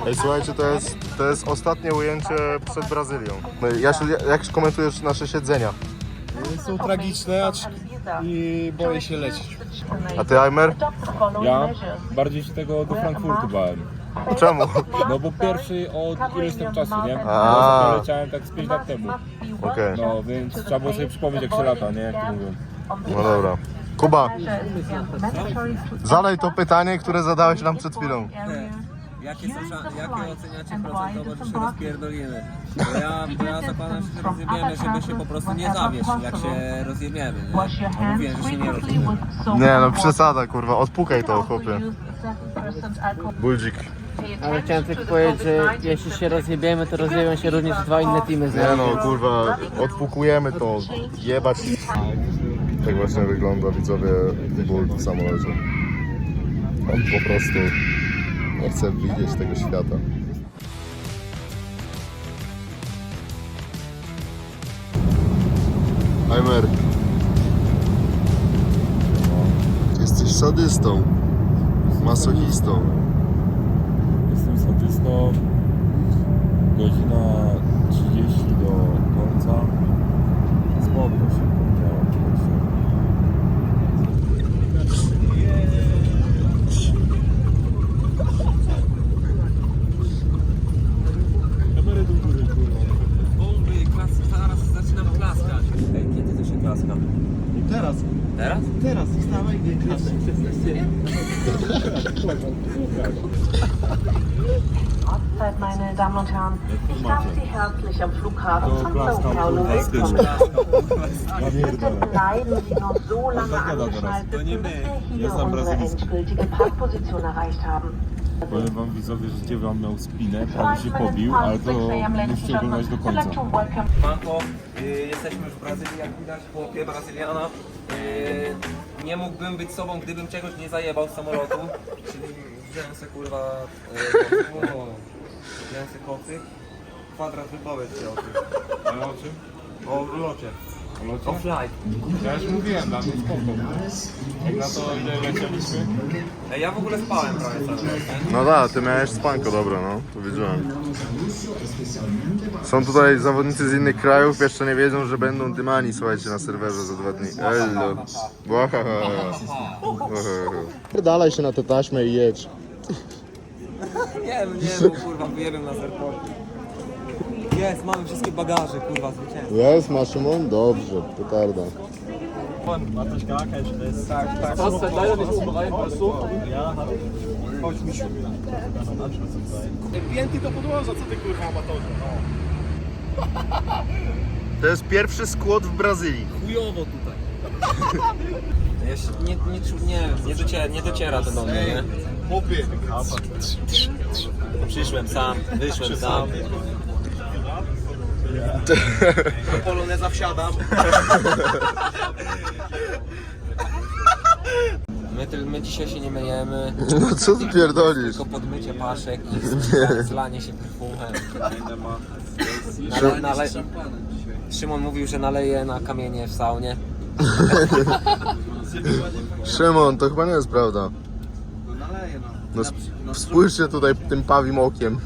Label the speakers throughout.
Speaker 1: Ej, słuchajcie, to jest ostatnie ujęcie przed Brazylią. No, Jasiu, jak komentujesz nasze siedzenia?
Speaker 2: Są tragiczne i boję się lecieć.
Speaker 1: A ty, Aimer?
Speaker 3: Ja bardziej się tego do Frankfurtu bałem.
Speaker 1: Czemu?
Speaker 3: No bo pierwszy od ileś tam czasu, nie?
Speaker 1: A.
Speaker 3: Ja leciałem tak z 5 lat temu.
Speaker 1: Okej.
Speaker 3: No więc trzeba było sobie przypomnieć jak się lata, nie? Jak to mówią.
Speaker 1: No dobra. Kuba, zadaj to pytanie, które zadałeś nam przed chwilą.
Speaker 4: Jakie oceniacie procentowo, że się rozpierdolimy? Bo ja zakładam, że się rozjebiemy, żeby się po prostu nie zawieść, jak się rozjebiemy, nie? No mówiłem, że się nie rozjebiemy.
Speaker 1: Nie no, przesada kurwa, odpukaj to chłopie. Buldzik.
Speaker 5: Ale chciałem tylko powiedzieć, że jeśli się rozjebiemy, to rozjebią się również dwa inne teamy z
Speaker 1: Nie
Speaker 5: nami.
Speaker 1: no kurwa, odpukujemy to, jebać. Tak właśnie wygląda widzowie ból w samolocie. On po prostu nie chce widzieć tego świata. Aimer, jesteś sadystą, masochistą.
Speaker 3: Jestem statystą. Godzina 30 do końca. Spoko się powiedziałem.
Speaker 4: Zaraz zaczynam klaskać. Ej, kiedy to się klaska?
Speaker 2: Teraz,
Speaker 4: Teraz?
Speaker 2: teraz, wstawaj, nie klasy.
Speaker 6: Ortszeit, meine Damen und Herren. Ich darf Sie herzlich am Flughafen von Sao Paulo willkommen. Bitte bleiben Sie noch so lange angeschnallt, bis wir hier unsere endgültige Parkposition erreicht haben.
Speaker 3: Powiem wam widzowie, że dziewięć miał spinę, prawie się pobił, ale to musicie oglądać do końca.
Speaker 4: Manko, jesteśmy już w Brazylii, jak widać, chłopie Brazyliana. Nie mógłbym być sobą, gdybym czegoś nie zajebał z samolotu. Czyli wziąłem se kurwa... wziąłem se kocyk. Kwadrat wypowiedź się o tym.
Speaker 3: Ale o czym?
Speaker 4: O locie.
Speaker 3: O locie?
Speaker 4: O flight.
Speaker 3: Ja już mówiłem, dla mnie spoko. Jak na to ile lecieliśmy?
Speaker 4: Ja w ogóle spałem prawie cały czas, nie?
Speaker 1: No da, ty miałeś spanko, dobra, no, to wiedziałem. Są tutaj zawodnicy z innych krajów, jeszcze nie wiedzą, że będą dymani, słuchajcie, na serwerze za 2 dni. Ello. Dalej się na tę taśmę i jedź.
Speaker 4: Nie, bo kurwa wyjebiam na serporcie. Jest, mamy wszystkie bagaże, kurwa, zwycięstwo.
Speaker 1: Jest, masz Szymon? Dobrze, petarda.
Speaker 2: Pięty to podłoża, co ty kurwa amatorze?
Speaker 1: To jest pierwszy skład w Brazylii.
Speaker 4: Chujowo tutaj. Jeszcze nie dociera to do mnie, nie?
Speaker 2: Chłopie.
Speaker 4: Przyszłem sam, wyszłem sam.
Speaker 2: Do poloneza wsiadam.
Speaker 4: My dzisiaj się nie myjemy,
Speaker 1: No co ty pierdolisz?
Speaker 4: tylko podmycie paszek i zlanie się perfumem. Szymon mówił, że naleje na kamienie w saunie.
Speaker 1: Szymon, to chyba nie jest prawda. No spójrzcie tutaj tym pawim okiem.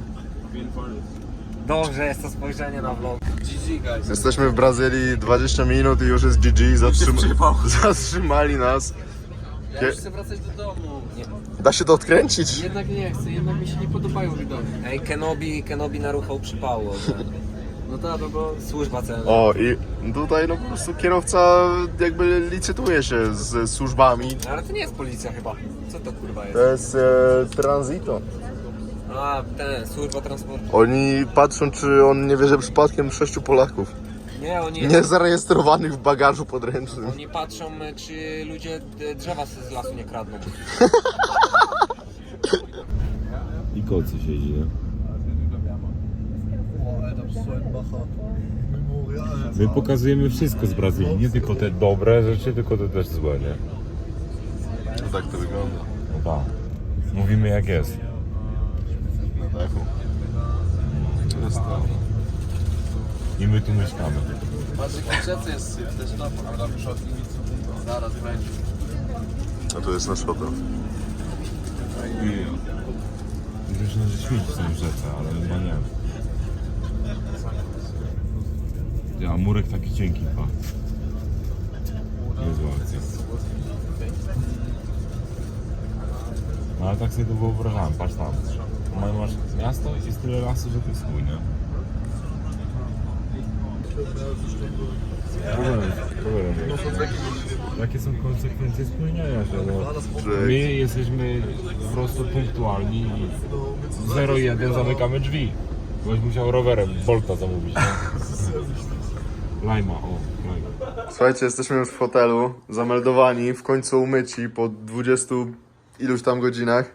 Speaker 4: Dobrze jest to spojrzenie na vlog.
Speaker 1: Jesteśmy w Brazylii 20 minut i już jest GG, zatrzymali nas.
Speaker 5: Ja już chcę wracać do domu.
Speaker 1: Da się to odkręcić?
Speaker 5: Jednak nie chcę, jednak mi się nie podobają widoki.
Speaker 4: Ej, Kenobi naruchał przypału.
Speaker 5: No tak, no bo
Speaker 4: Służba celna.
Speaker 1: O i tutaj no po prostu kierowca jakby licytuje się z służbami.
Speaker 4: Ale to nie jest policja chyba. Co to kurwa jest?
Speaker 1: To jest transito.
Speaker 4: A, służba transportu.
Speaker 1: Oni patrzą, czy on nie wierzy przypadkiem 6 Polaków.
Speaker 4: Nie,
Speaker 1: Niezarejestrowanych w bagażu podręcznym.
Speaker 4: Oni patrzą, czy ludzie drzewa z lasu nie kradną.
Speaker 3: I kocy siedzi, nie? My pokazujemy wszystko z Brazylii, nie tylko te dobre rzeczy, tylko te też złe, nie?
Speaker 1: No tak to wygląda.
Speaker 3: No tak. Mówimy jak jest.
Speaker 1: Na dachu. To jest to.
Speaker 3: I my tu mieszkamy.
Speaker 2: jest też na ale muszę od nimi zaraz będzie.
Speaker 1: A tu jest nasz hotel.
Speaker 3: Wiesz, że śmieci są w rzece, ale chyba nie. Ja, murek taki cienki chyba. Niezła akcja. No ale tak sobie to wyobrażałem, patrz tam. Masz miasto i jest tyle lasu, że to jest chuj, nie? Jakie są konsekwencje spełniania się? No, my jesteśmy po prostu punktualni i 0,1 zamykamy drzwi. Byś musiał rowerem Bolta zamówić, nie? Lajma, lajma.
Speaker 1: Słuchajcie, jesteśmy już w hotelu, zameldowani, w końcu umyci po 20 iluś tam godzinach.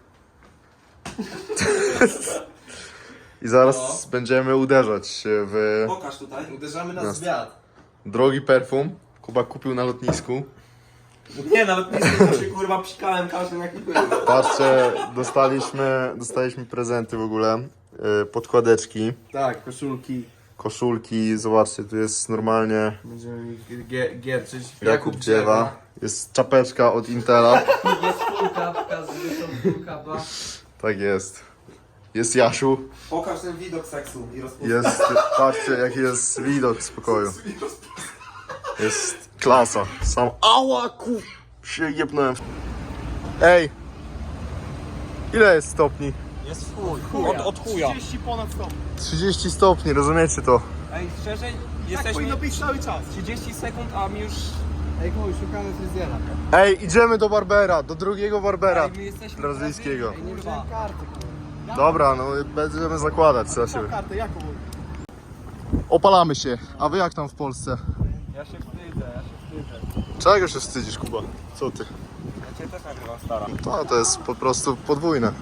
Speaker 1: I zaraz będziemy uderzać się w
Speaker 2: Pokaż tutaj. Uderzamy na zwiat.
Speaker 1: drogi perfum. Kuba kupił na lotnisku.
Speaker 2: Nie, nawet nie się kurwa psikałem każdym jaki był.
Speaker 1: Patrzcie, dostaliśmy prezenty w ogóle. Podkładeczki,
Speaker 2: Tak, koszulki.
Speaker 1: koszulki, zobaczcie, tu jest normalnie
Speaker 2: Będziemy gierczyć.
Speaker 1: Jakub Dziewa. Jest czapeczka od Intela.
Speaker 2: Jest kulka, pokazuje tą kulka, ba.
Speaker 1: Tak jest. Jest Jasiu.
Speaker 2: Pokaż ten widok seksu i rozpoznaj.
Speaker 1: Jest, patrzcie jaki jest widok z pokoju. Jest klasa. Sam, ała ku... się jebnąłem. Ej! Ile jest stopni?
Speaker 4: Jest w chuj. Od chuja.
Speaker 1: 30 stopni, rozumiecie to?
Speaker 4: Ej, szczerze, jesteśmy
Speaker 2: być cały czas.
Speaker 4: 30 sekund, a mi już...
Speaker 2: Ej, chuj, szukamy fryzjera.
Speaker 1: Ej, idziemy do Barbera, do drugiego Barbera.
Speaker 4: Ej, my jesteśmy
Speaker 1: Brazylijskiego.
Speaker 2: Nie wziąłem karty.
Speaker 1: Dobra, no będziemy zakładać za siebie.
Speaker 2: Kartę, jaką?
Speaker 1: Opalamy się. A wy jak tam w Polsce?
Speaker 4: Ja się wstydzę.
Speaker 1: Czego się wstydzisz, Kuba? Co ty?
Speaker 4: Ja cię też nagrywam, stara.
Speaker 1: To jest po prostu podwójne.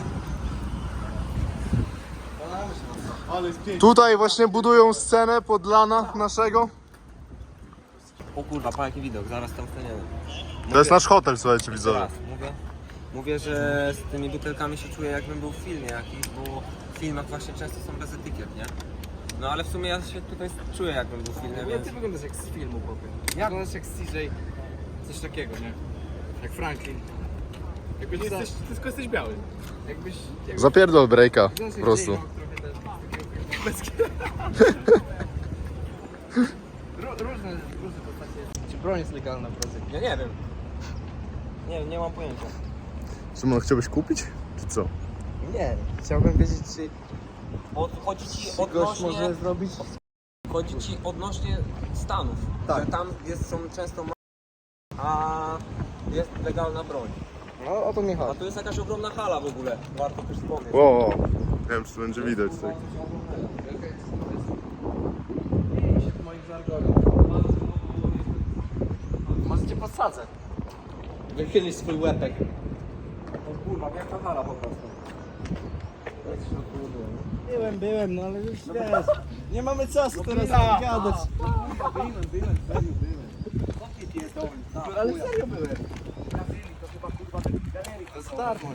Speaker 1: Tutaj właśnie budują scenę pod lana naszego.
Speaker 4: O kurwa, pa jaki widok, zaraz tam staniemy.
Speaker 1: To jest nasz hotel, słuchajcie widzowie.
Speaker 4: Teraz mówię, że z tymi butelkami się czuję jakbym był w filmie jakiś, bo w filmach właśnie często są bez etykiet, nie? No ale w sumie ja się tutaj czuję jakbym był w filmie, więc...
Speaker 2: Ty wyglądasz jak z filmu, chłopie. Wyglądasz jak CJ, coś takiego, nie? Jak Franklin. Jakbyś jesteś, tylko jesteś biały. Jakbyś
Speaker 1: Zapierdol breaka po prostu.
Speaker 2: Różne postacie. Czy broń jest legalna w Brazylii?
Speaker 4: Ja nie wiem. Nie mam pojęcia.
Speaker 1: Szymon, chciałbyś kupić? Czy co?
Speaker 2: Nie. Chciałbym wiedzieć, czy
Speaker 4: Chodzi ci
Speaker 2: gość
Speaker 4: odnośnie...
Speaker 2: może zrobić...
Speaker 4: Chodzi ci odnośnie Stanów,
Speaker 2: Tak.
Speaker 4: że tam są często a jest legalna broń.
Speaker 2: No o to mi
Speaker 4: A
Speaker 2: chodzi.
Speaker 4: tu jest jakaś ogromna hala w ogóle, warto też wspomnieć.
Speaker 1: O, nie wiem czy to będzie widać. Tak.
Speaker 2: Może cię podsadzę. Wychylisz swój łepek.
Speaker 4: O kurwa, wielka hala po prostu.
Speaker 2: Byłem, no ale już wiesz. Nie mamy czasu teraz gadać. Byłem. Ale serio byłem. To jest darmo.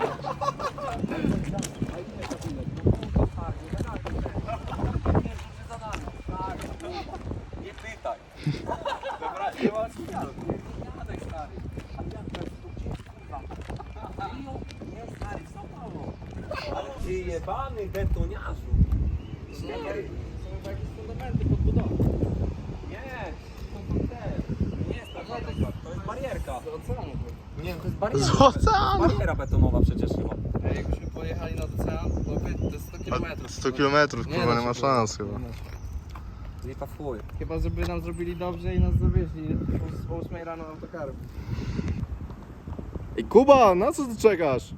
Speaker 4: Nie pytaj.
Speaker 2: Dobra, nie ma co.
Speaker 4: Nie stary, co mało? Ale ty jebany betoniarzu.
Speaker 2: Są jakieś fundamenty podbudowy.
Speaker 4: Nie, nie jest to jest barierka.
Speaker 2: Z oceanu.
Speaker 4: Nie, to jest barierka.
Speaker 1: Z oceanu!
Speaker 4: Bariera betonowa przecież chyba.
Speaker 2: A jakbyśmy pojechali nad ocean, to jest 100 km.
Speaker 1: 100 km, kurwa, nie ma szans chyba.
Speaker 4: Lipa w chuj.
Speaker 2: Chyba, żeby nam zrobili dobrze i nas zawieźli o 8 rano autokarem.
Speaker 1: Ej Kuba, na co ty czekasz?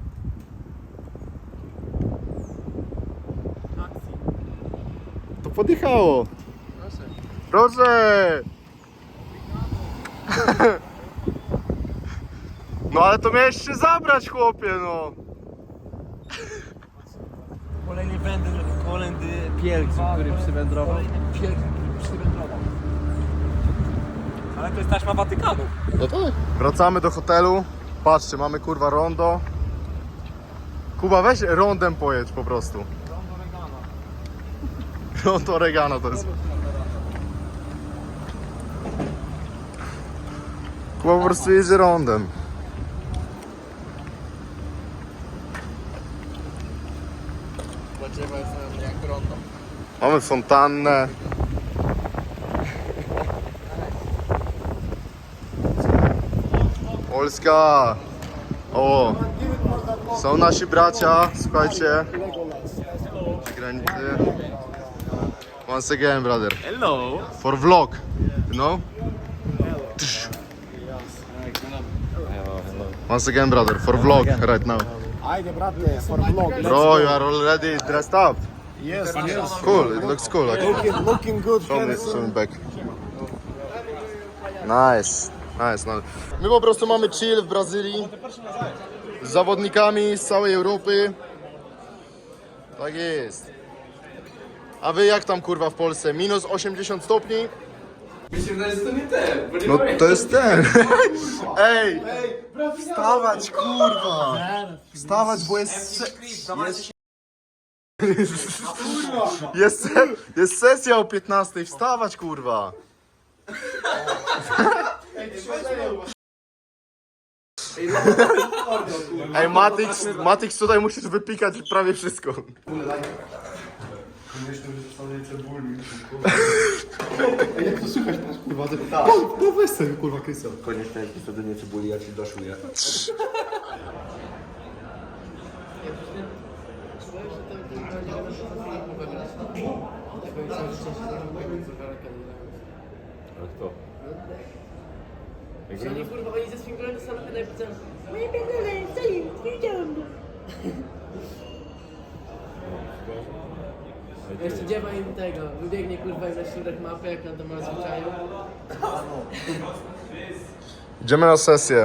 Speaker 1: To podjechało. Proszę! No ale to miałeś się zabrać, chłopie, no.
Speaker 2: Kolejny pielgrzym, który przywędrował.
Speaker 4: Ale to jest taśma Watykanu.
Speaker 1: No tak. Wracamy do hotelu. Patrzcie, mamy kurwa rondo. Kuba, weź rondem pojedź po prostu. Rondo Regana to jest. Kuba po prostu jedzie rondem.
Speaker 2: drzewa jest jak rondo.
Speaker 1: Mamy fontannę. Polska! O! Są nasi bracia, słuchajcie. Przy granicy. Once again, brother.
Speaker 2: Hello!
Speaker 1: For vlog, you know? Once again, brother, for vlog right now.
Speaker 7: Ajde, brate, for vlog.
Speaker 1: Bro, you are already dressed up.
Speaker 7: Yes, yes.
Speaker 1: Cool, it looks cool. Like.
Speaker 7: Looking good.
Speaker 1: Show me back. Nice, nice. My po prostu mamy chill w Brazylii z zawodnikami z całej Europy. Tak jest. A wy jak tam kurwa w Polsce? Minus 80 stopni?
Speaker 2: Mi się wydaje, że to nie ten, bo nie
Speaker 1: No
Speaker 2: pamiętam.
Speaker 1: to jest ten. Ej! Wstawać kurwa! Wstawać, bo jest... Jest sesja o 15, wstawać kurwa! Ej, Matix tutaj musisz wypikać prawie wszystko.
Speaker 8: Koniecznie wtedy cebuli, ja ci doszuję.
Speaker 3: Ale kto?
Speaker 5: Oni kurwa, oni ze swoim kolegą samochodem napisał moje pierdolę, stoi, widziałem go. Jeszcze dziewa im tego, wybiegnie kurwa na środek mapy, jak na to ma zwyczaju.
Speaker 1: Idziemy na sesję.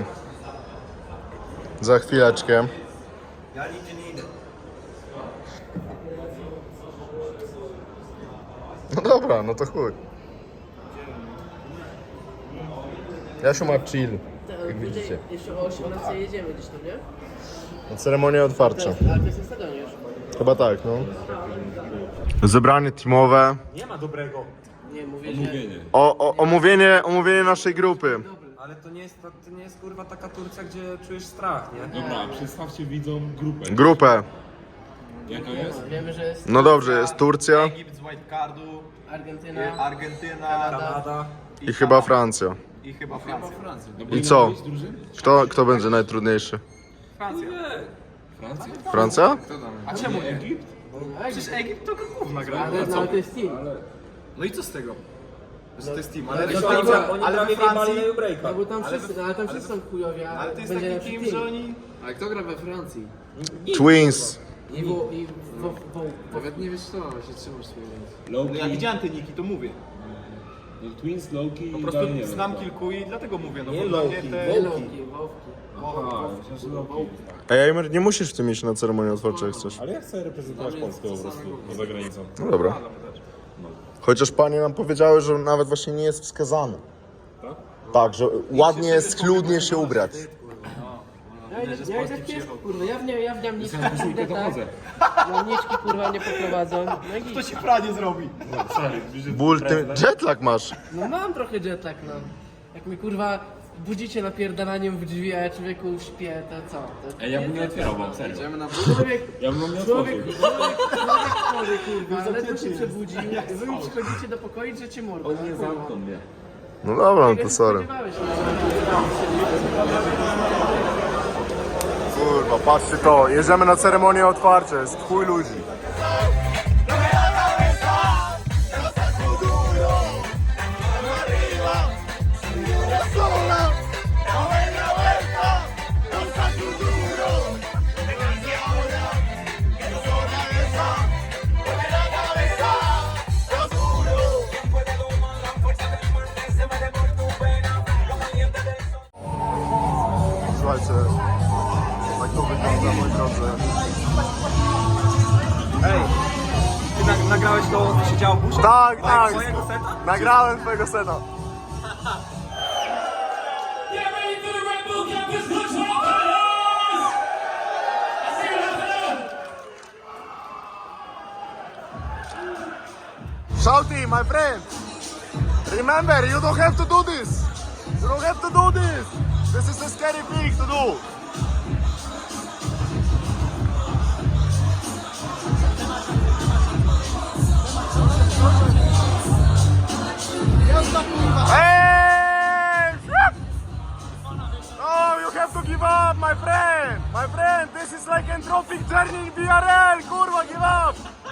Speaker 1: Za chwileczkę.
Speaker 8: Ja nigdzie nie idę.
Speaker 1: No dobra, no to chuj. Jasiu ma chill, jak widzicie.
Speaker 5: Jeszcze o 18 jedziemy gdzieś tam, nie?
Speaker 1: Na ceremonię otwarcia.
Speaker 5: Ale to jest na stadionie już.
Speaker 1: Chyba tak, no. Zebranie teamowe.
Speaker 5: Nie, mówię, że...
Speaker 1: Omówienie naszej grupy.
Speaker 4: Ale to nie jest kurwa taka Turcja, gdzie czujesz strach, nie?
Speaker 3: Dobra, przedstawcie widzom grupę.
Speaker 1: Grupę.
Speaker 3: Jaka jest?
Speaker 5: Wiemy, że jest
Speaker 1: No dobrze, jest Turcja
Speaker 2: Egipt z wildcardu,
Speaker 5: Argentyna,
Speaker 2: Argentyna
Speaker 4: Kanada.
Speaker 1: i chyba Francja.
Speaker 2: i chyba Francja.
Speaker 1: I co? Kto będzie najtrudniejszy?
Speaker 2: Francja.
Speaker 3: Francja?
Speaker 1: Francja?
Speaker 2: A czemu Egipt? Przecież Egipt to gówna gra.
Speaker 5: ale to jest team.
Speaker 2: No i co z tego? Że to jest team,
Speaker 5: Ale
Speaker 2: ale,
Speaker 5: to
Speaker 2: ale,
Speaker 5: tak,
Speaker 2: ale we Francji...
Speaker 5: No bo tam wszyscy, ale tam wszyscy są chujowi, a
Speaker 2: Ale to jest
Speaker 5: będzie
Speaker 2: taki
Speaker 5: lepszy
Speaker 2: team, że oni...
Speaker 9: Ale kto gra we Francji?
Speaker 1: Twins.
Speaker 9: Nawet nie wiesz co, się trzymasz swojej ręce.
Speaker 2: No ja
Speaker 3: Loki,
Speaker 2: widziałem te niki, to mówię.
Speaker 3: Twins, Loki
Speaker 2: Po
Speaker 3: i
Speaker 2: prostu
Speaker 3: dalej nie
Speaker 2: znam
Speaker 3: wiem.
Speaker 2: kilku i dlatego mówię, no
Speaker 4: Nie
Speaker 2: bo dla mnie
Speaker 4: Loki,
Speaker 2: te...
Speaker 5: Wowki.
Speaker 3: Aha, myślę, że Loki.
Speaker 1: Ej, Aimer, nie musisz w tym iść na ceremonię otwarcia, jak chcesz.
Speaker 3: Ale ja chcę reprezentować Polskę po prostu, poza granicą.
Speaker 1: No dobra. Chociaż panie nam powiedziały, że nawet właśnie nie jest wskazane. Tak, że ładnie jest schludnie się ubrać.
Speaker 5: Ja i tak jest, kurwa, ja w niamniczki pójdę, tak? Niamniczki, kurwa, nie poprowadzą. No i
Speaker 2: To się pranie zrobi.
Speaker 1: Ból, ty jetlag masz.
Speaker 5: no mam trochę jetlag, no. Jak mi, kurwa, budzicie napierdalaniem w drzwi, a ja człowieku śpię, to co? To
Speaker 3: Ej, ja bym nie otwierał wam, serio.
Speaker 9: Idziemy na
Speaker 5: Człowiek,
Speaker 3: Ja bym nie
Speaker 5: człowiek
Speaker 3: otworzył.
Speaker 5: chory, kurwa, ale to się przebudził. Wy mi przychodzicie do pokoju, że cię mordę.
Speaker 3: On nie zamknął mnie.
Speaker 1: No dobra, no to sorry. Kurwa, patrzcie to, jedziemy na ceremonię otwarcia, jest chuj ludzi. Słuchajcie, tak to wygląda, moi drodzy.
Speaker 2: Ej, ty nagrałeś to, co się działo później?
Speaker 1: Tak, tak,
Speaker 2: Twojego seta?
Speaker 1: nagrałem twojego seta.
Speaker 10: Get ready for the Red Bull Campus Control Colors! I see you happening!
Speaker 1: Shouty, my friend, remember, you don't have to do this. You don't have to do this. This is a scary thing to do.
Speaker 2: I can tropic journey in BRL, kurwa, give up!